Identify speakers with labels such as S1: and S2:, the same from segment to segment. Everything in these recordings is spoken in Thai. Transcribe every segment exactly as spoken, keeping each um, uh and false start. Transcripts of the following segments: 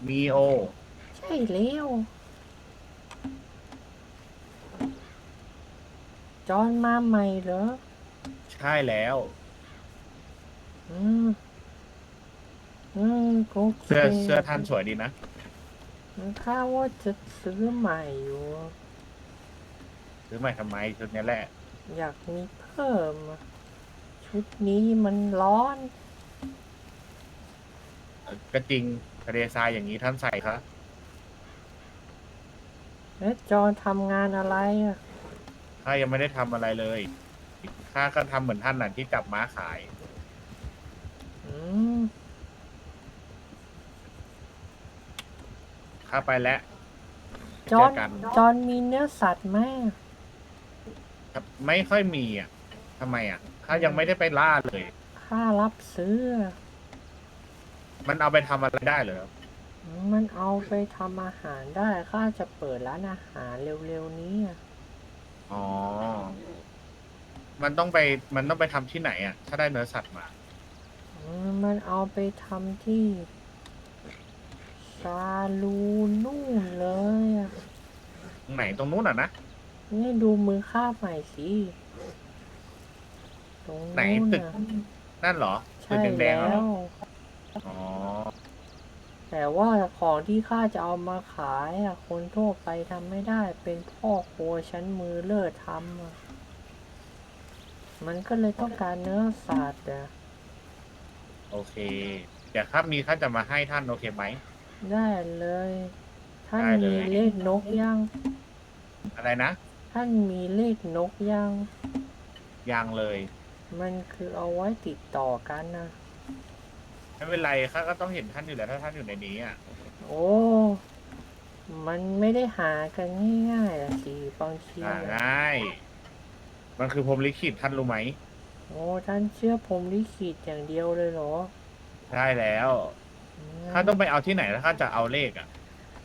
S1: มีโอ
S2: ใช่แล้วจอนมาใหม่เหรอ
S1: ใช่แล้ว
S2: อืมอืมโอเค
S1: เสื้อเสื้อท่านสวยดีนะ
S2: ข้าว่าจะซื้อใหม่อยู่
S1: ซื้อใหม่ทำไมชุดนี้แหละ
S2: อยากมีเพิ่มอะชุดนี้มันร้อน
S1: เออก็จริงทะเลทรายอย่างนี้ท่านใส่ครับ
S2: แล้วจอนทำงานอะไรอ่ะ
S1: ข้ายังไม่ได้ทำอะไรเลยข้าก็ทำเหมือนท่านน่ะที่จับม้าขาย
S2: อืม
S1: ข้าไปแล้วไป
S2: จอน
S1: เจอกัน
S2: จอนมีเนื้อสัตว์ไหม
S1: ครับไม่ค่อยมีอ่ะทำไมอ่ะข้า
S2: อืม
S1: ยังไม่ได้ไปล่าเลย
S2: ข้ารับซื้อ
S1: มันเอาไปทำอะไรได้เหรอครับ
S2: มันเอาไปทำอาหารได้ข้าจะเปิดร้านอาหารเร็วๆนี้อะ
S1: อ๋อมันต้องไปมันต้องไปทำที่ไหนอ่ะถ้าได้เนื้อสัตว์มา
S2: อืมมันเอาไปทำที่ ซาลูนู่นเลยอะ
S1: ตรงไหนตรงนู้นอ่ะนะ
S2: นี่ดูมือข้าใหม่สิตรง
S1: ไหน
S2: นู้น
S1: ตึก
S2: น่ะ
S1: นั่นเหรอตึก
S2: ใช่
S1: แดงๆ
S2: แล้
S1: อะเหรอ
S2: ว
S1: อ๋อ
S2: แต่ว่าของที่ข้าจะเอามาขายอะคนทั่วไปทำไม่ได้เป็นพ่อครัวชั้นมือเลิศทำอะมันก็เลยต้องการเนื้อสัตว์อะ
S1: โอเคเดี๋ยวครับมีข้าจะมาให้ท่านโอเคไหม
S2: ได้เลยท่าน
S1: ได้เลย
S2: มีเลขนกยัง
S1: อะไรนะ
S2: ท่านมีเลขนกยัง
S1: ยังเลย
S2: มันคือเอาไว้ติดต่อกันนะ
S1: ไม่เป็นไรข้าก็ต้องเห็นท่านอยู่แล้วถ้าท่านอยู่ในนี้อ่ะ
S2: โอ้มันไม่ได้หากันง่ายๆอะสิบางที
S1: อ่า
S2: อะ
S1: ง่ายมันคือพรหมลิขิตท่านรู้ไหม
S2: โอ้ท่านเชื่อผมลิขิตอย่างเดียวเลยเหรอ
S1: ใช่แล้วข้า
S2: งั้น
S1: ต้องไปเอาที่ไหนถ้าข้าจะเอาเลขอ่ะ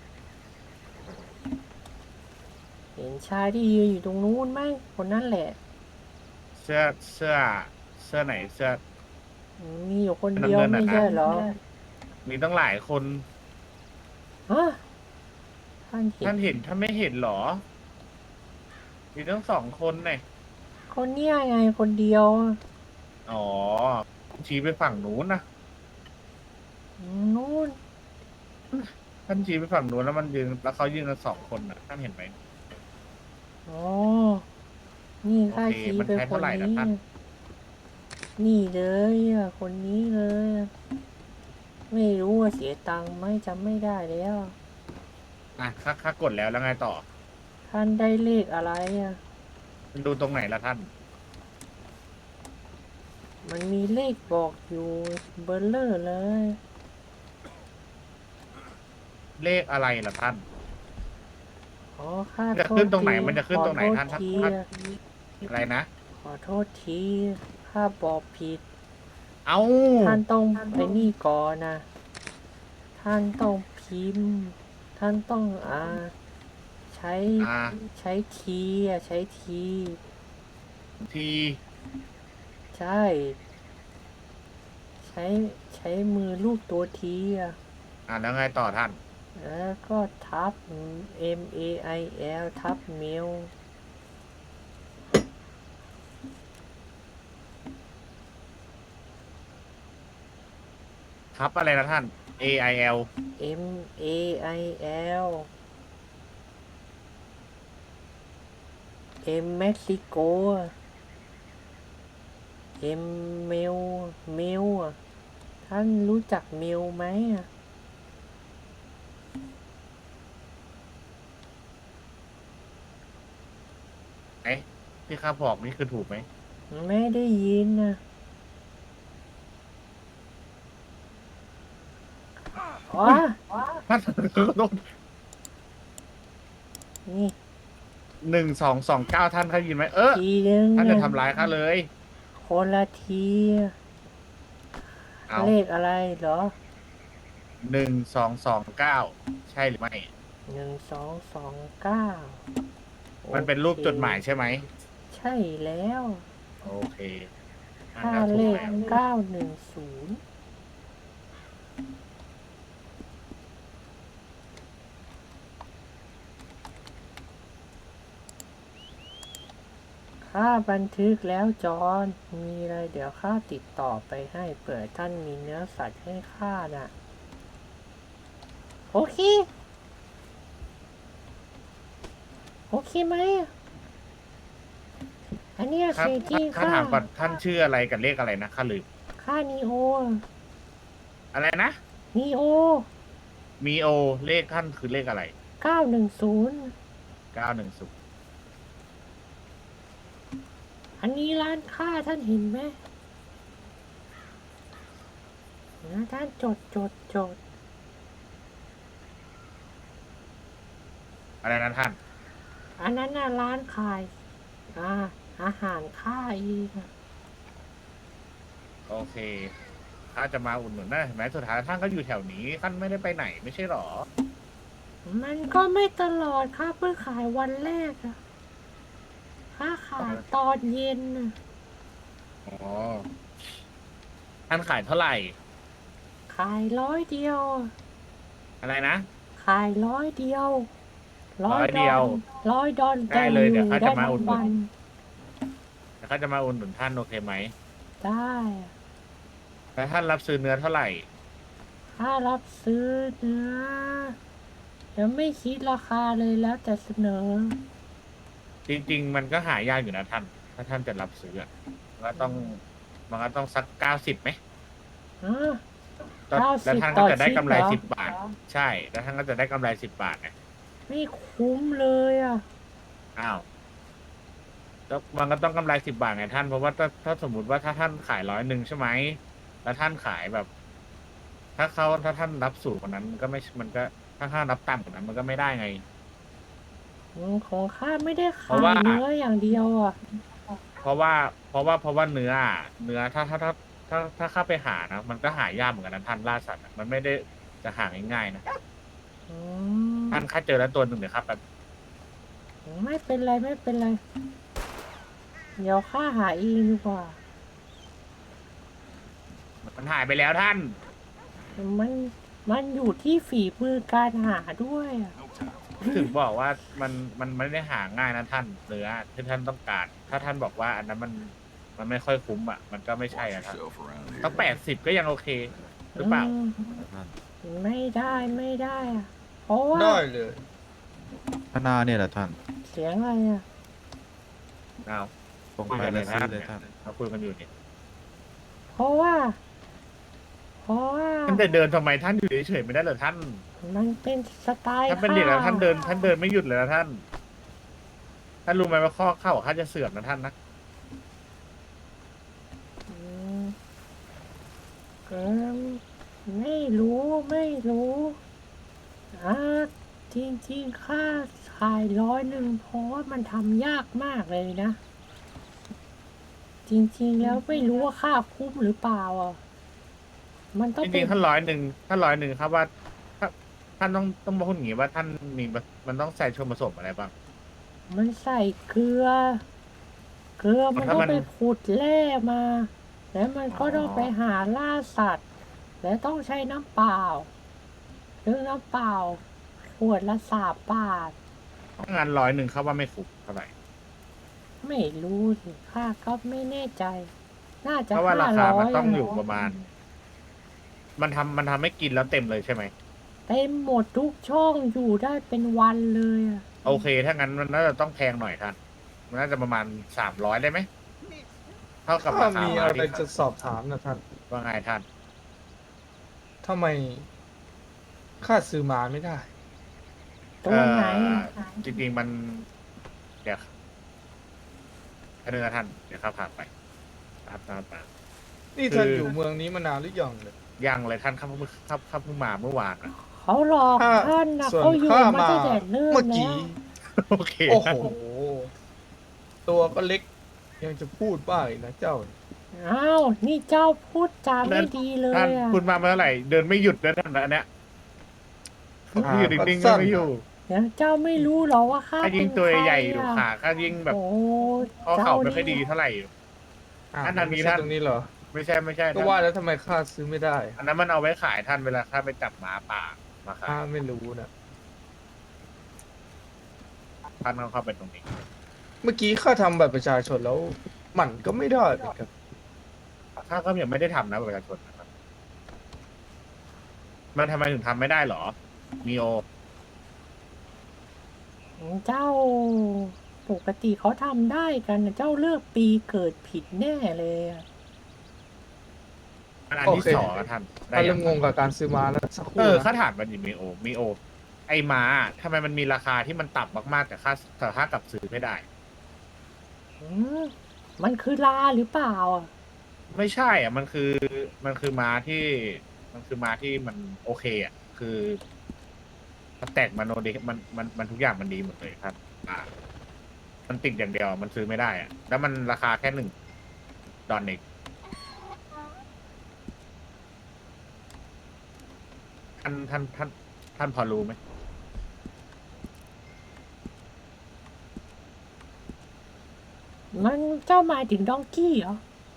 S2: เห็นชายที่ยืนอยู่ตรงนู้นไหมคนนั้นแหละ
S1: เสื้อเสื้อเสื้อไหนเสื้อ
S2: มีอยู่คนเดี
S1: น้ำ
S2: ยวไม่
S1: เงินอ่ะนะ
S2: ใช่เหรอ
S1: มีตั้งหลายคน
S2: ฮะท่านเห็น
S1: ท่านเห็นท่านไม่เห็นเหรอมีทั้งสองคนเนี่ย
S2: คนเนี้ยไงคนเดียว
S1: อ๋อชี้ไปฝั่งนู้นนะ
S2: นู้น
S1: ท่านชี้ไปฝั่งนู้นแล้วมันยืนแล้วเขายืนกันสองคนนะท่านเห็นไหม
S2: อ๋อนี่ข้า
S1: โอเค
S2: ชี้ไป
S1: มันใช้เท่า
S2: คนนี้
S1: ไหร่ละท่าน
S2: นี่เลยอ่ะคนนี้เลยอะไม่รู้ว่าเสียตังค์ไหมจำไม่ได้แล้ว
S1: อ่ะข้าข้ากดแล้วแล้วไงต่อ
S2: ท่านได้เลขอะไรอ่ะ
S1: มันดูตรงไหนละท่าน
S2: มันมีเลขบอกอยู่เบอร์เลอร์เลย
S1: เลขอะไรล่ะท่าน
S2: อ๋อข้า
S1: มันจะ
S2: โทษ
S1: ขึ้นตรงไหน
S2: ที
S1: มันจะ
S2: ขอ
S1: ขึ้นตรงไหน
S2: โทษ
S1: ท่านท่าน
S2: ที
S1: ท่าน
S2: อะ
S1: อะไรนะ
S2: ขอโทษทีข้าบอกผิด
S1: เอ้า
S2: ท่านต้องไปนี่ก่อนนะท่านต้องพิมพ์ท่านต้องอ่าใช้
S1: อ่า
S2: ใช้ทีอ่ะใช้ที
S1: ที
S2: ใช่ใช้ใช้มือลูบตัวทีอ่ะ
S1: อ่าแล้วไงต่อท่าน
S2: แล้วก็ทับ M A I L ทับเมล
S1: ทับอะไรนะท่าน A I L
S2: M A I L M เม็กซิโก M เมลเมลอ่ะท่านรู้จักเมลไหมอ่ะ
S1: ไหนที่ข้าบอกนี่คือถูกไหม
S2: ไม่ได้ยินนะอ๋อ
S1: อุ้ยท่านขอโทษ
S2: นี่
S1: หนึ่งสองสองเก้าท่านได้ยินไหมเออ
S2: ทีนึง
S1: ท่านจะ
S2: นะ
S1: ทำร้ายข้าเลย
S2: คนละที
S1: เอา
S2: เลขอะไรเหรอ
S1: หนึ่งสองสองเก้าใช่หรือไม่
S2: หนึ่งสองสองเก้าโอ
S1: มันเป็น
S2: เค
S1: รูปจดหมายใช่ไหม
S2: ใช่แล้ว
S1: โอเคอ่า
S2: ค่า
S1: แล้วถู
S2: เลข
S1: กแล้ว
S2: เก้าหนึ่งศูนย์ เก้าหนึ่งศูนย์ เก้าหนึ่งศูนย์ เก้าหนึ่งศูนย์ เก้าหนึ่งศูนย์ เก้าหนึ่งศูนย์ เก้าหนึ่งศูนย์ เก้าหนึ่งศูนย์ เก้าหนึ่งศูนย์ เก้าหนึ่งศูนย์ เก้าหนึ่งศูนย์ เก้าหนึ่งศูนย์
S1: โอเคอ่า
S2: ค่าเลข
S1: แล้วถูกแล้ว
S2: เก้าหนึ่งศูนย์ข้าบันทึกแล้วจอห์นมีอะไรเดี๋ยวข้าติดต่อไปให้เปิดท่านมีเนื้อสัตว์ให้ข้าน่ะ โอเค โอเคไหม อันเนี้ย
S1: ครับ
S2: สิ่งที่
S1: ถ้า
S2: ข้า
S1: ถามก่อนท่านชื่ออะไรกับเลขอะไรนะข้าลืม
S2: ข้านีโอ
S1: อะไรนะ
S2: นีโอ
S1: มีโอเลขท่านคือเลขอะไร
S2: เก้าหนึ่งศูนย์
S1: เก้าหนึ่งศูนย์
S2: อันนี้ร้านค้าท่านเห็นไหมนะท่านจดจดจด
S1: อะไรนะท่าน
S2: อันนั้นน่ะร้านขายอ่าอาหารค่าอีกอะ
S1: โอเคข้าจะมาอุดหนุนนะเห็นไหมสุดท้ายท่านก็อยู่แถวนี้ท่านไม่ได้ไปไหนไม่ใช่หรอ
S2: มันก็ไม่ตลอดค่ะเพิ่งขายวันแรกอะค่าขายตอนเย็นน่ะ
S1: อ๋อท่านขายเท่าไหร่
S2: ขายร้อยเดียวอะ
S1: อะไรนะ
S2: ขายร้อยเดียว
S1: ร้อยเดียว
S2: ร้อยดอล
S1: ได้เลยเดี๋ยวข้าจะมาอุดหนุน
S2: ได้ทั้งวัน
S1: แล้วข้าจะมาอุดหนุนท่านโอเคไหม
S2: ได้อะ
S1: แล้วท่านรับซื้อเนื้อเท่าไหร่
S2: ถ้ารับซื้อเนื้อยังไม่คิดราคาเลยแล้วแต่เสนอ
S1: จริง ๆ มันก็หายากอยู่นะท่าน ถ้าท่านจะรับซื้ออะมันก็ต้องมันก็ต้องสักเก้าสิบไหม
S2: ฮะ
S1: แล้ว
S2: เก้า
S1: แล้ว
S2: สิบ
S1: ท่าน
S2: ต่
S1: ก็
S2: อ
S1: จะได้
S2: ชิ้น
S1: กำไร
S2: เหรอ
S1: สิบบาท ใช่ แล้วท่านก็จะได้กำไรสิบบาทไง
S2: ไม่คุ้มเลยอ่ะ
S1: อ้าวแล้วมันก็ต้องกำไรสิบบาทไงท่าน เพราะว่าถ้าถ้าสมมติว่าถ้าท่านขายร้อยหนึ่งใช่ไหม แล้วท่านขายแบบ ถ้าเขาถ้าท่านรับสูงกว่านั้นมันก็ไม่ มันก็ถ้าท่านรับต่ำกว่านั้นมันก็ไม่ได้ไง
S2: อืมของข้าไม่ได้
S1: เพ
S2: ขาย
S1: ราะว่า
S2: เนื้ออย่างเดียวอ่ะ
S1: เพราะว่าเพราะว่าเพราะว่าเนื้ออะเนื้อถ้าถ้าถ้าถ้าถ้าเข้าไปหานะมันก็หายากเหมือนกันนะท่านล่าสัตว์อะมันไม่ได้จะหาง่ายๆนะ
S2: อืม
S1: ท่านค่าเจอแล้วตัวหนึ่งเดี๋ยวครับแบบ
S2: ไม่เป็นไรไม่เป็นไร เดี๋ยวข้าหาเองดีกว่า
S1: มันหายไปแล้วท่าน
S2: มันมันอยู่ที่ฝีมือการหาด้วยอะ
S1: ถึงบอกว่ามันมันไม่ได้หาง่ายนะท่านเนื้อที่ท่านต้องการ ถ้าท่านบอกว่าอันนั้นมันมันไม่ค่อยคุ้มอ่ะมันก็ไม่ใช่อ่ะท่านต้องแปดสิบก็ยังโอเค หรือเปล่า
S2: อืมไม่ได้ไม่ได้อะเพราะว่า
S3: ได้เลย
S4: พนาเนี่ยแหละท่าน
S2: เสียงอะไรอ่ะ
S1: เอา
S4: ตรงไปแล้วซื้อเลยท่าน
S1: เราคุยกันอยู่เนี่ย
S2: เพราะว่า เพราะว่า
S1: ท่านจะเดินทำไมท่านอยู่เฉยๆไม่ได้เหรอท่าน
S2: มันเป็นสไตล์
S1: ท่านเป็นเด็กแล้ว
S2: ข้
S1: ท่านเดินท่านเดินไม่หยุดเลยนะท่าน ท่านรู้ไหมว่าข้อเข้าข้าจะเสื่อมนะท่านนะ
S2: อืมเออไม่รู้ไม่รู้อ่าจริงๆค่าขายร้อยหนึ่งเพราะว่ามันทำยากมากเลยนะ จริงๆแล้วไม่รู้ว่าค่าคุ้มหรือเปล่าอ่ะมันต้อง
S1: จ
S2: เป็
S1: ริ
S2: น
S1: งๆท่านร้อยหนึ่งท่านร้อยหนึ่งครับว่าถ้าท่านต้องต้องมาพูดอย่างนี้ว่าท่านมีมันต้องใส่ส่วนผสมอะไรบ้าง
S2: มันใส่เกลือ เกลือมัน
S1: ถ้า
S2: ต้อง
S1: มัน
S2: ไปขุดแร่มา แล้วมันก็
S1: อ๋อ
S2: ต้องไปหาล่าสัตว์ และต้องใช้น้ำเปล่าซึ่งน้ำเปล่าขวดละสามบาท
S1: งานร้อยหนึ่งครับว่าไม่คุ้มเท่าไหร่
S2: ไม่รู้สิค่าก็ไม่แน่ใจ น่าจะ
S1: เพราะว่า
S2: ห้า
S1: ราคา
S2: ร้อ
S1: มัน
S2: ย
S1: ต้องอยู่ประมาณ มันทำมันทำให้กินแล้วเต็มเลยใช่ไหม
S2: เต็มหมดทุกช่องอยู่ได้เป็นวันเลยอะ
S1: โอเค ถ้างั้นมันน่าจะต้องแพงหน่อยท่าน มันน่าจะประมาณสามร้อยได้ไหมเท่ากับ
S3: ถ้า
S1: ราคา
S3: มี
S1: มา
S3: อะไร
S1: ที่
S3: จะสอบถามนะท่าน
S1: ว่าไงท่าน
S3: ทำไมข้าซื้อมาไม่ได้
S2: ตัวไหน
S1: เอ่อ
S2: อะ
S1: จริงๆมัน เดี๋ยวอันนึงนะท่าน เดี๋ยวข้าพาไปตามตามตาม
S3: นี่ท่าน
S1: คือ
S3: อ
S1: อ
S3: ยู่เมืองนี้มานานหรือยังเลย
S1: ยังเลยท่านครับเพิ่งครับครับเพิ่งมาเมื่อวานอะ
S2: เขาหลอก
S3: ถ้า
S2: ท่านนะ
S3: ส่วน
S2: เขาอยู่
S3: ข้า
S2: มา
S3: มา
S2: ตั้งแต่เริ่ม
S3: เมื่อ
S2: แล้
S3: กี้
S2: ว
S1: โอเค
S3: โอ้โห
S1: ท่าน
S3: ตัวก็เล็ก ยังจะพูดบ้าอีกนะเจ้า
S2: อ้าว นี่เจ้าพูดจาไม่ดีเล
S1: ท่าน
S2: ยอ่ะ
S1: คุณมาเมื่อไหร่ เดินไม่หยุดเลยท่านอันเนี้ย
S3: อ่า
S1: อยู่นิ่งๆ
S3: ก็สั้
S1: ก็
S3: น
S1: ไม่อยู่
S2: เดี๋ยวเจ้าไม่รู้เหรอว่าข้า
S1: ถ้า
S2: เป็
S1: ยิ่ง
S2: น
S1: ตัว
S2: ใคร
S1: ใหญ่อยู่
S2: อะ
S1: ขาก็ยิ่งแบบ
S2: โอ้
S1: ข้อเข่าไม่ค่อยดีเท่าไหร่อยู่
S3: อ่า
S1: อันนั้น
S3: ไม่
S1: มี
S3: ใช่
S1: ท่าน
S3: ตรงนี้เหรอ
S1: ไม่ใช่ไม่ใช่
S3: ก็
S1: ท่าน
S3: ว่าแล้วทำไมข้าซื้อไม่ได้
S1: อันนั้นมันเอาไว้ขายท่านเวลาข้าไปจับหมาป่ามาขา
S3: ข้าย ไม่รู้นะ
S1: ท่านต้องเข้าไปตรงนี้
S3: เมื่อกี้ข้าทำบัตรประชาชนแล้วมันก็ไม่ได้เหมือนกัน
S1: ข้าก็ยังไม่ได้ทำนะบัตรประชาชนนะครับมันทำไมถึงทำไม่ได้หรอมีโอ
S2: เจ้าปกติเขาทำได้กันนะเจ้าเลือกปีเกิดผิดแน่เลยอะ
S1: อันอัน
S3: โอ
S1: ที่
S3: เค
S1: สองอะท่านได้
S3: ข้า
S1: ยั
S3: เริ่
S1: ง
S3: มงงกับการซื้อม้าแล้วสักค
S1: เอ
S3: รู่
S1: อ
S3: นะ
S1: ข้าถามมันดิมีโอมีโอ ไอม้าทำไมมันมีราคาที่มันต่ำมากๆแต่ค่าแต่ค่ากลับซื้อไม่ได้
S2: อืมมันคือลาหรือเปล่าอะ
S1: ไม่ใช่อ่ะมันคือมันคือม้าที่มันคือม้าที่มันโอเคอ่ะคือสแต็กมันโอเดมันมันมันทุกอย่างมันดีหมดเลยครับอ่ามันติดอย่างเดียวมันซื้อไม่ได้อ่ะแล้วมันราคาแค่หนึ่งดอลเองท่านท่านท่านท่านพอรู้ไหม
S2: มันเจ้าหมายถึงดองกี้เหรอ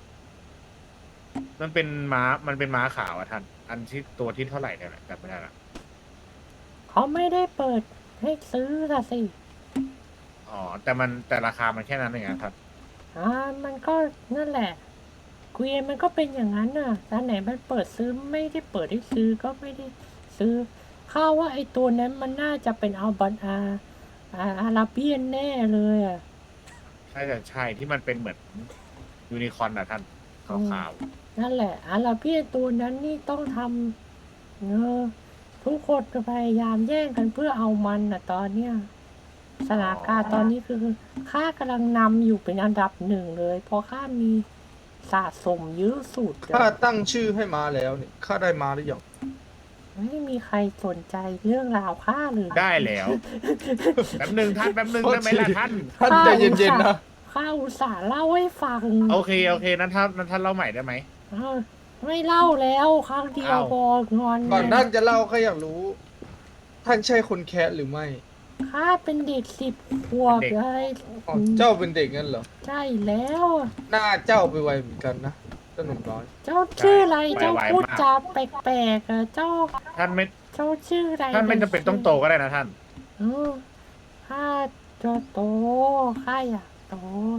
S1: มันเป็นม้ามันเป็นม้าขาวอ่ะท่านอันที่ตัวที่เท่าไหร่เนี่ยแหละจำไม่ได้ละ
S2: เขาไม่ได้เปิดให้ซื้อละสิ
S1: อ๋อแต่มันแต่ราคามันแค่นั้นเองครับ
S2: อ่ามันก็นั่นแหละเกวียนมันก็เป็นอย่างนั้นน่ะร้านไหนมันเปิดซื้อไม่ได้เปิดให้ซื้อก็ไม่ได้ซื้อข้าว่าไอ้ตัวนั้นมันน่าจะเป็นอัลบันอาอาอาราเบียนแน่เลยอ่ะ
S1: ใช่แต่ใช่ที่มันเป็นเหมือนยูนิคอร์นอะท่านขาว
S2: นั่นแหละอาราเบียนตัวนั้นนี่ต้องทำเออทุกคนพยายามแย่งกันเพื่อเอามันน่ะตอนเนี้ยสถานการณ์ตอนนี้คือข้ากำลังนำอยู่เป็นอันดับหนึ่งเลยเพราะข้ามีสะสมเยอะสุด
S3: ข้า
S2: อะ
S3: ตั้งชื่อให้ม้าแล้วนี่ข้าได้ม้าหรือยัง
S2: ไม่มีใครสนใจเรื่องราวข้าเลย
S1: ๆได้แล้วแป๊บหนึ่งท่านแป๊บหนึ่งได้ไหมล่ะท่าน
S3: ท่านใจเย็นๆนะ
S2: ข้าอุตส่าห์เล่าให้ฟัง
S1: โอเคโอเคนั้นท่านนั้นท่านเล่าใหม่ได้ไหม
S2: เออไม่เล่าแล้วครั้งเดียว
S1: อ้าว
S2: พองอน
S3: ก่อนท่านจะเล่าข้าอยากรู้ ท่านใช่คนแคะหรือไม่
S2: ข้าเป็นเด็กสิบขวบอะไร
S3: อ๋อเจ้าเป็นเด็กงั้นเหรอ
S2: ใช่แล้ว
S3: หน้าเจ้าไปไวเหมือนกันนะเจ้าหนุ่มน้อย
S2: เจ้าชื่ออะไรเจ้าพูดจาแปลกๆอะเจ้า
S1: ท่านไม่
S2: เจ้าชื่ออะไร
S1: ท่านไม่จำเป็นต้องโตก็ได้นะท่าน
S2: เออข้าจะโตข้าอยากโต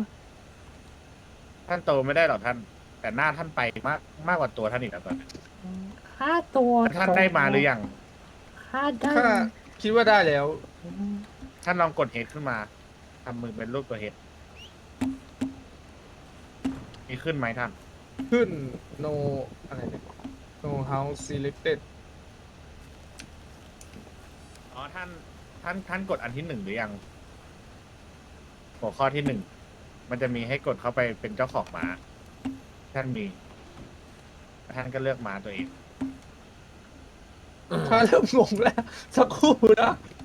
S1: ท่านโตไม่ได้หรอกท่าน แต่หน้าท่านไปมากมากกว่าตัวท่านอีกนะตอนนี้
S2: อืมข้าตัว
S1: ท่านได้มาหรือยัง
S2: ข้าได้
S3: ข้าคิดว่าได้แล้ว
S2: อืม
S1: ท่านลองกดเฮดขึ้นมาทำมือเป็นรูปตัวเฮดมีขึ้นไหมท่าน
S3: ขึ้น no อะไรเนี่ย no house selected
S1: อ๋อท่านท่านท่านกดอันที่หนึ่งหรือยัง หัวข้อที่หนึ่งมันจะมีให้กดเข้าไปเป็นเจ้าของม้า ท่านมีท่านก็เลือกม้าตัวเอง
S3: ข้าเริ่มงงแล้ว สักครู่นะ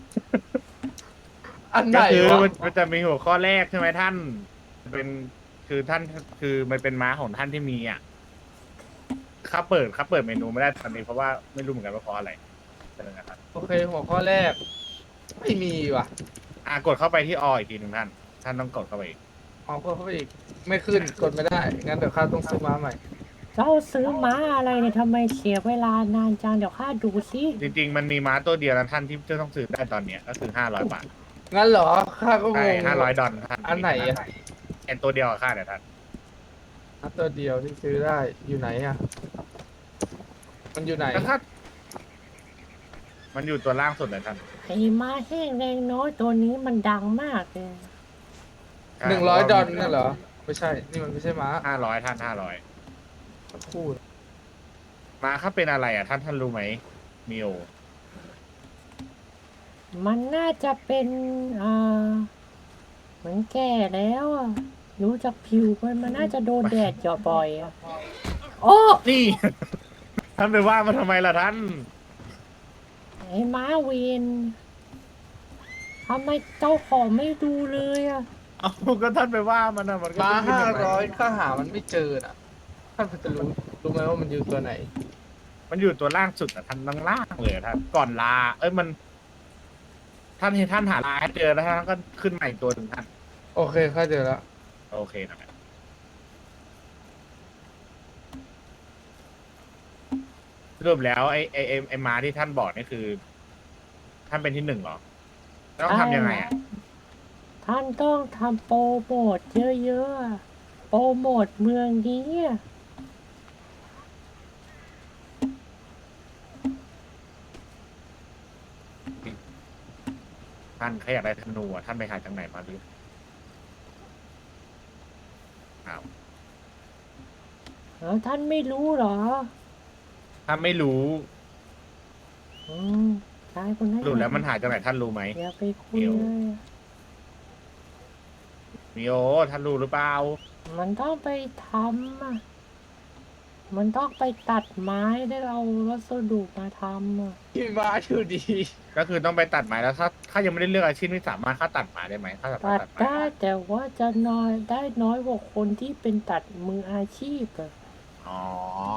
S3: อันไหน
S1: ก็คือ
S3: วะ
S1: มันมันจะมีหัวข้อแรกใช่ไหมท่าน เป็นคือท่านคือมันเป็นม้าของท่านที่มีอ่ะข้าเปิดข้าเปิดเมนูไม่ได้ตอนนี้เพราะว่าไม่รู้เหมือนกันว่าเพราะอะไรเป็นยังไงครับ
S3: โอเคหัวข้อแรก ไม่มีว่ะ
S1: อ่ากดเข้าไปที่ออีกทีหนึ่งท่าน ท่านต้องกดเข้าไปอีก
S3: อ๋อกดเข้าไปอีก ไม่ขึ้น กดไม่ได้ งั้นเดี๋ยวข้าต้องซื้อม้าใหม่
S2: เจ้าซื้อม้าอะไรเนี่ยทำไมเสียเวลานานจังเดี๋ยวข้าดูสิ
S1: จริง ๆ มันมีม้าตัวเดียวนะท่านที่จะต้องซื้อได้ตอนเนี้ยก็คือห้าร้อยบาท
S3: งั้นเหรอ ข้าก็ง
S1: ใช่
S3: ง
S1: ห้าร้อยดอลท่าน
S3: อันไหนอะ
S1: แอนตัวเดียวกับค่าเนี่ยท่าน
S3: อันตัวเดียวที่ซื้อได้ อยู่ไหนอะมันอยู่ไหน
S1: แล้วถ้ามันอยู่ตัวล่างสุดเลยท่าน
S2: ไอ้ม้าแห้งแรงน้อยตัวนี้มันดังมากเลย
S3: หนึ่งร้อยดอลนั่นเหรอ ไม่ใช่ นี่มันไม่ใช่ม้า
S1: ห้าร้อยท่านห้าร้อย
S3: สักครู่
S1: ม้าเขาเป็นอะไรอ่ะท่านท่านรู้ไหมมิโอ
S2: มันน่าจะเป็นอ่าเหมือนแก่แล้วอ่ะรู้จากผิวมันมันน่าจะโดนแดดเจาะบ่อยอ่ะโอ้
S1: นี่ ท่านไปว่ามันทำไมล่ะท่าน
S2: ไอ้ม้าเวนทำไมเจ้าของไม่ดูเลยอ่ะ
S1: เอาก็ท่านไปว่ามันนะมันก็
S3: ม้า
S1: ไม่
S3: ห้า
S1: เป็นไร
S3: ร้อยข้าหามันไม่เจอน่ะ ท่านพอจะรู้ รู้ไหมว่ามันอยู่ตัวไหน
S1: มันอยู่ตัวล่างสุดอ่ะท่านล่างล่างเลยอะท่านก่อนลา เอ้ยมัน ท่านเห็นท่านหาลาให้เจอแล้วท่านก็ขึ้นใหม่ตัวหนึ่งท่าน
S3: โอเคข้าเจอแล้ว
S1: โอเคนะครับสรุปแล้วไอ้ไอ้ไอ้ไอ้ม้าที่ท่านบอกนี่คือ ท่านเป็นที่หนึ่งเหรอต้องทำยังไงอ่ะ
S2: ทท่านต้องทำโปรโมทเยอะๆอะโปรโมทเมืองนี้อะ
S1: ท่านแค่อยากได้ธนูอะท่านไปหาจากไหนมาหรืออ้าว
S2: แล้วท่านไม่รู้เหรอ
S1: ถ้าไม่รู้
S2: อืมชายคนนั้น
S1: รู้แล้วมันหาจากไหนท่านรู้ไหม
S2: อย่าไปคุย
S1: เดี๋ยว
S2: เลยอะ
S1: มิโอท่านรู้หรือเปล่า
S2: มันต้องไปทำอ่ะ มันต้องไปตัดไม้ได้เอาวัสดุมาทำอ่ะ
S3: พี่มาอยู่ดี
S1: ก็คือต้องไปตัดไม้แล้วถ้าถ้ายังไม่ได้เลือกอาชีพนี่สามารถค่าตัดไม้ได้ไหมถ้าสามาร
S2: ตั
S1: ถ
S2: ด
S1: ตัดไม้
S2: ได้แต่ว่าจะน้อยได้น้อยกว่าคนที่เป็นตัดมืออาชีพอ่ะ
S1: อ๋อ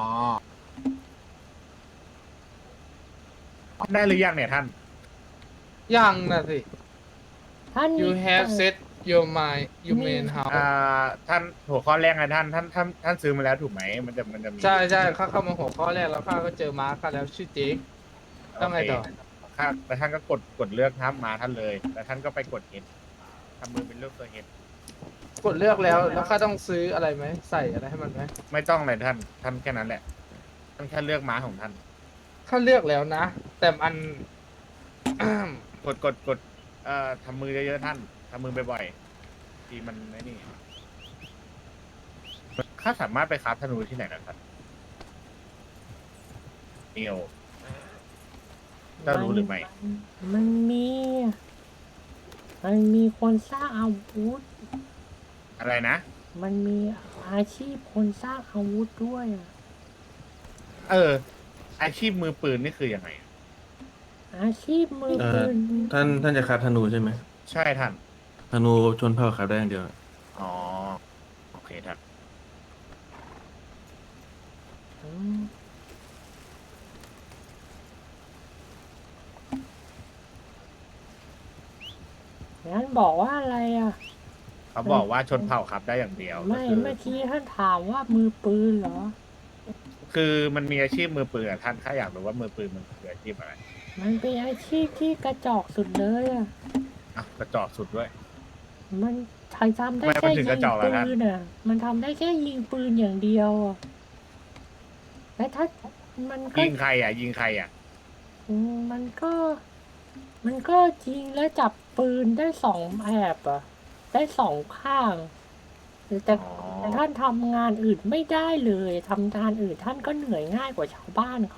S1: ได้หรือยังเนี่ยท่าน
S3: ยังนะสิ
S2: ท่าน
S3: you
S2: มี
S3: have set your mind you main
S1: อ่า
S3: house
S1: ท่านหัวข้อแรกไงท่านท่านท่านท่านซื้อมาแล้วถูกไหมมันจะมันจะมี
S3: ใช่ใช่ข้าเข้ามาหัวข้อแรกแล้วข้าก็เจอมาร์คข้าแล้วชื่อเจ๊ก ต้องไงต่อ
S1: โเคครับแล้วท่านก็กดกดเลือกทับมาท่านเลย แล้วท่านก็ไปกดเห็ดทำมือเป็นรูปตัวเห็ด
S3: กดเลือกแล้วแล้วข้าต้องซื้ออะไรไหมใส่อะไรให้มันไหม
S1: ไม่ต้องเลยท่านท่านแค่นั้นแหละท่านแค่เลือกม้าของท่าน
S3: ข้าเลือกแล้วนะ แต่มัน
S1: กดกดกดเอ่อทำมือเยอะๆท่านทำมือบ่อยๆทีมันไอ้นี่ข้าสามารถไปคราฟธนูที่ไหนนะครับเนียวเจ้ารู้หรือไม่
S2: มันมี มันมีคนสร้างอาวุธ
S1: อะไรนะ
S2: มันมีอาชีพคนสร้างอาวุธด้วยอะ
S1: เออ อาชีพมือปืนนี่คือยังไง
S2: อาชีพมือ
S5: เอ่
S2: ปื
S5: อน ท่านท่านจะคราฟธนูใช่ไหม
S1: ใช่ท่าน
S5: ธนูชนเผ่าคราฟได้อย่างเดียว
S1: อ๋อโอเคท่าน
S2: อืมงั้นบอกว่าอะไรอ่ะ
S1: เขาบอกว่าชนเผ่าครับได้อย่างเดียว
S2: ไม่
S1: ก็คือ
S2: เมื่อกี้ท่านถามว่ามือปืนเหรอ
S1: คือมันมีอาชีพมือปืนอะท่านถ้าอยากรู้ว่ามือปืนมันคืออาชีพอะไร
S2: มันเป็นอาชีพที่กระจอกสุดเลยอ่ะ
S1: อ่ะกระจอกสุดด้วย
S2: มันทำทำได้
S1: ทำไมมัน
S2: แค่
S1: ถึ
S2: ยิ
S1: ง
S2: ง
S1: กระจอกล่ะ
S2: ปื
S1: ท่าน
S2: นอ่ะ มันทำได้แค่ยิงปืนอย่างเดียวอ่ะและถ้ามันก็
S1: ยิงใครอ่ะ ยิงใครอ่ะ
S2: อืมมันก็ มันก็ยิงและจับปืนได้สองแอบอ่ะ ได้สองข้างแต่
S1: อ๋อ
S2: แต่ท่านทำงานอื่นไม่ได้เลยทำงานอื่นท่านก็เหนื่อยง่ายกว่าชาวบ้านเขา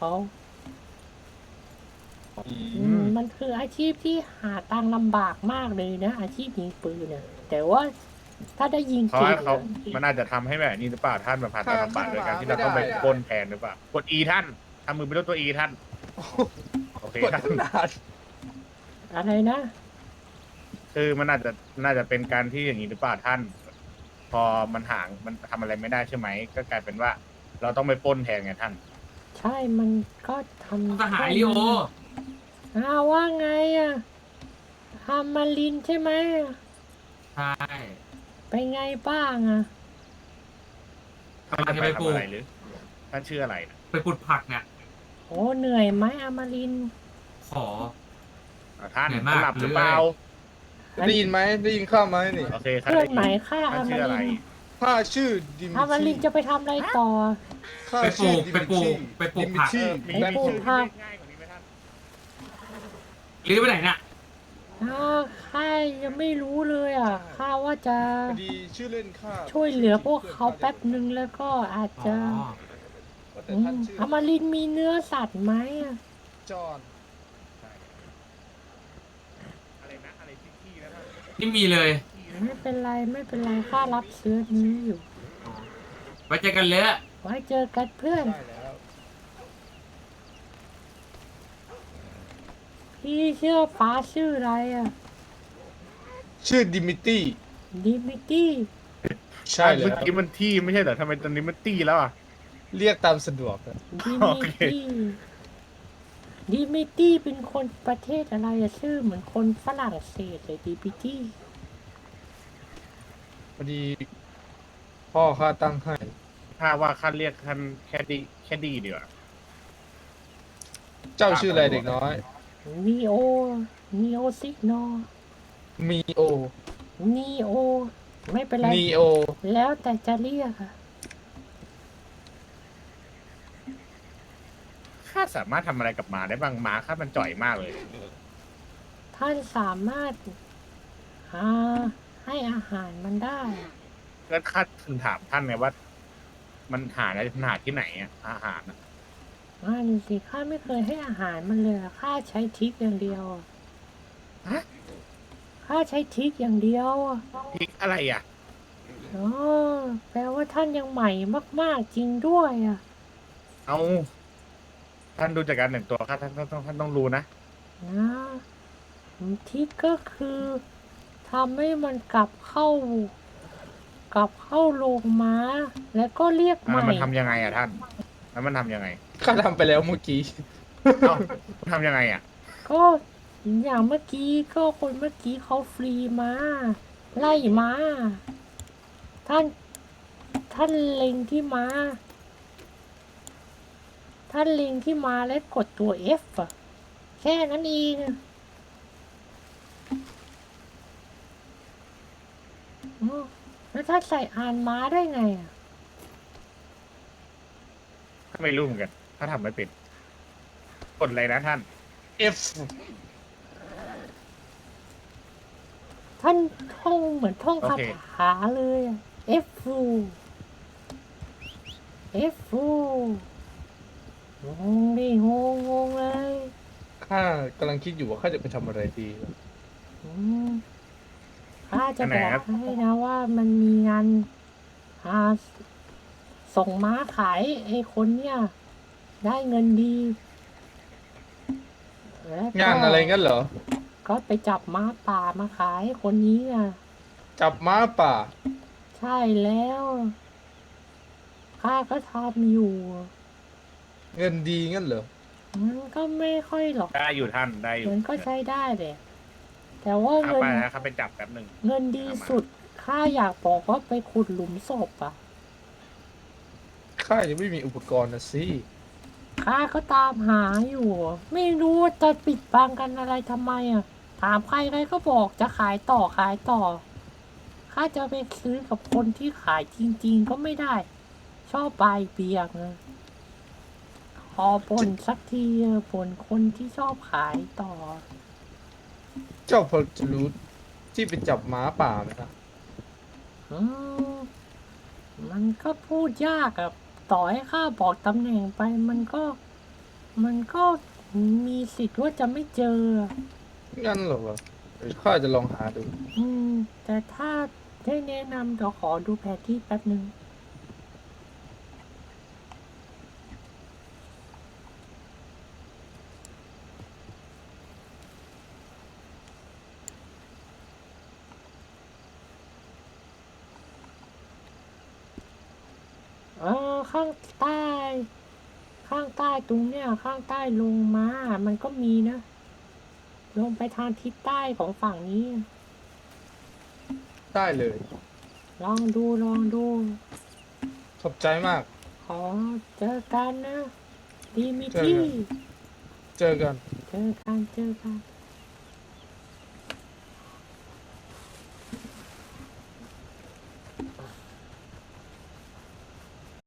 S1: อื
S2: อื
S1: ม
S2: มมันคืออาชีพที่หาตังค์ลำบากมากเลยนะ อาชีพยิงปืนเนี่ยแต่ว่าถ้าได้ยิง
S1: เพราะ
S2: จริง
S1: ว่าเขา
S2: อะ
S1: มันอาจจะทำให้แบบนี้หรือเปล่าท่านแบบผ่านตาลำบากโดยการที่เรา
S3: ไม่ได้
S1: ต้องไป
S3: อะ
S1: ปล้นแทนหรือเปล่ากด E ท่านทำมือเป็นรูปตัว E ท่าน โอเค
S3: กด
S1: ท่าน
S3: ตั้งนาน
S2: อะไรนะ
S1: คือมันอาจจะน่าจะเป็นการที่อย่างนี้หรือเปล่าท่าน พอมันห่างมันทำอะไรไม่ได้ใช่ไหม ก็กลายเป็นว่า เราต้องไปปล้นแทนไงท่าน
S2: ใช่มันก็ทำ
S6: สหายลิโอ
S2: อ้าวว่าไงอ่ะฮามารินใช่ไหม
S6: ใช่
S2: ไปไงบ้างอ่ะ
S1: ท่านจะ
S6: จะ
S1: ไป
S6: ไปปลู
S1: ทำ
S6: ก
S1: อะไรหรือ ท่านชื่ออะไรนะ
S6: ไปปลูกผักเนี่ย
S2: โอ้เหนื่อยไหมอามาริน
S6: ขอ
S1: อ่ะท่าน
S6: เหนื่อยมาก
S1: หลับหรือเปล่า
S3: ได้ยินไหมได้ยินข้าไหมนี่
S1: โอเคครับ
S2: เพื่อนไหมค่า
S1: ท่า
S2: อาน มา
S1: ชื่ออะไร
S2: ริน
S3: ข้าชื่อดิมิ
S2: อามารินจะไปทำอะไรต่อ
S3: ข้า
S6: ไปปลู
S3: ชื่อก ดิ
S6: ไป
S3: มิ
S6: ปลู
S3: ชี่
S6: กไปปลู
S3: ดิ
S6: ก
S3: มิ
S6: ผัก
S3: ชี่
S1: มี
S2: ไป
S1: มี
S2: ปลูก
S1: ชื่อ
S2: ผั
S1: ที่
S2: ก
S1: ง่ายกว่านี้ไหมท่าน
S6: หรือไปไหนน่ะ
S2: อ้าวข้ายังไม่รู้เลยอ่ะข้าว่าจะ
S3: พอดีชื่อเล่นข้า
S2: ช่วยเหลือพวกเขาแป๊บนึงแล้วก็อาจ
S6: อ๋
S2: จะ
S6: อ
S3: แต่
S2: อื
S3: ท่าน
S2: ม
S3: ชื่อ
S2: อามารินมีเนื้อสัตว์ไหมอ่ะ
S3: จอห์น
S1: อะไรนะ อะไรที่ๆนะท่าน
S6: นี่มีเลย
S2: ไม่เป็นไรไม่เป็นไรข้ารับเชื้อนี้อยู่
S6: ไว้เจอกันเลยอะ
S2: ไว้เจอกันเพื่อน
S3: ได้แล้ว
S2: พี่เชื่อฟ้าชื่ออะไรอ่ะ
S3: ชื่อดิมิตี้
S2: ดิมิตี้
S3: ใช่แล้
S1: เมื่อ
S3: ว
S1: กี้มันที่ไม่ใช่เหรอทำไมตอนนี้มันตี้แล้วอ่ะ
S3: เรียกตามสะดวกอะ
S2: ดิ
S1: โอ
S2: มิ
S1: เค
S2: ตี้ดิมิตี้เป็นคนประเทศอะไรอะชื่อเหมือนคนฝรั่งเศสเลยดิมิตี้
S3: พอดี พ่อข้าตั้งให้
S1: ถ้าว่าคันเรียกคันแค่ดีแค่ดีดีกว่า
S3: เจ้าชื่ออะไรเด็กน้อย
S2: นีโอนีโอซิกโน
S3: มีโอ
S2: นีโอ ไม่เป็นไร
S3: นีโอ
S2: แล้วแต่จะเรียกอะ
S1: ข้าสามารถทำอะไรกับหมาได้บ้างหมาข้ามันจ่อยมากเลย
S2: ท่านสามารถหาให้อาหารมันได้
S1: แล้วข้าถึงถามท่านไงว่า มันหาได้มันหาที่ไหนอะอาหารอะ
S2: นั่นสิข้าไม่เคยให้อาหารมันเลยอะข้าใช้ทริกอย่างเดียวอะ
S1: ฮะ
S2: ข้าใช้ทริกอย่างเดียวอะ
S1: พริกอะไรอ่ะ
S2: อ๋อแปลว่าท่านยังใหม่มากๆจริงด้วยอ่ะ
S1: เอาท่านดูจากการแต่งตัวข้าท่านต้องท่านต้องรู้นะ
S2: นะทริกก็คือทำให้มันกลับเข้ากลับเข้าโรงม้า แล้วก็เรียกให
S1: อ่า
S2: ม่
S1: มันทำยังไงอ่ะท่าน แล้วมันทำยังไง
S3: ข้าทำไปแล้วเมื่อกี้
S1: เอ้ามันทำยังไงอ่ะ
S2: ก็อย่างเมื่อกี้ก็คนเมื่อกี้เขาฟรีมาไล่มาท่าน ท่านเล็งที่ม้า ท่านเล็งที่ม้าและกดตัว F อะแค่นั้นเองอะอ๋อแล้วท่านใส่อ่านม้าได้ไงอ่ะ
S1: ถ้าไม่รู้เหมือนกัน ถ้าทำไม่เป็นกดอะไรนะท่าน
S3: F
S2: ท่านท่องเหมือนท่องคา
S1: โอเค
S2: ถาเลยอะ F F งงดิงงงงเลย
S3: ข้ากำลังคิดอยู่ว่าข้าจะไปทำอะไรดี
S2: อืมข้าจะ
S1: อันไห
S2: บ
S1: น
S2: อก
S1: ครับ
S2: ให้นะว่ามันมีงานหาส่งม้าขายไอ้คนเนี่ยได้เงินดีแล้วก็
S3: งานอะไรงั้นเหรอ
S2: ก็ไปจับม้าป่ามาขายให้คนนี้อ่ะ
S3: จับม้าป่า
S2: ใช่แล้วข้าก็ทำอยู่
S3: เงินดีงั้นเหรอ
S2: มันก็ไม่ค่อยหรอก
S1: ได้อยู่ท่านได้อยู่
S2: มันก็ใช้ได้แหละแต่ว่า
S1: ข้า
S2: เงิน
S1: ไปแล้วครับไปจับแป๊บหนึ่ง
S2: เงินดีสุดข้าอยากบอกว่าไปขุดหลุมศพอ่ะ
S3: ข้ายังไม่มีอุปกรณ์นะสิ
S2: ข้าก็ตามหาอยู่ ไม่รู้ว่าจะปิดบังกันอะไรทำไมอ่ะ ถามใครใครก็บอกจะขายต่อขายต่อ ข้าจะไปซื้อกับคนที่ขายจริง ๆ ก็ไม่ได้ ชอบใบายเบียงอะขอบ่นสักทีเถอะบ่นคนที่ชอบขายต่อ
S3: เจ้าพอจะรู้ที่ไปจับม้าป่าไหมครับ
S2: อืมมันก็พูดยากอะต่อให้ข้าบอกตำแหน่งไป มันก็ มันก็มีสิทธิ์ว่าจะไม่เจอ
S3: งั้นเหรอวะเดี๋ยวข้าจะลองหาดู
S2: อืม แต่ถ้าได้แนะนำเดี๋ยวขอดูแผนที่แป๊บหนึ่ง เออข้างใต้ ข้างใต้ตรงเนี้ยข้างใต้ลงมา มันก็มีนะ ลงไปทางทิศใต้ของฝั่งนี้
S3: ได้เลย
S2: ลองดูลองดู
S3: ขอบใจมาก
S2: ขอเจอกันนะ ดีมิ
S3: เจอ
S2: ที่
S3: กัน เจอกัน
S2: เจอกันเจอกัน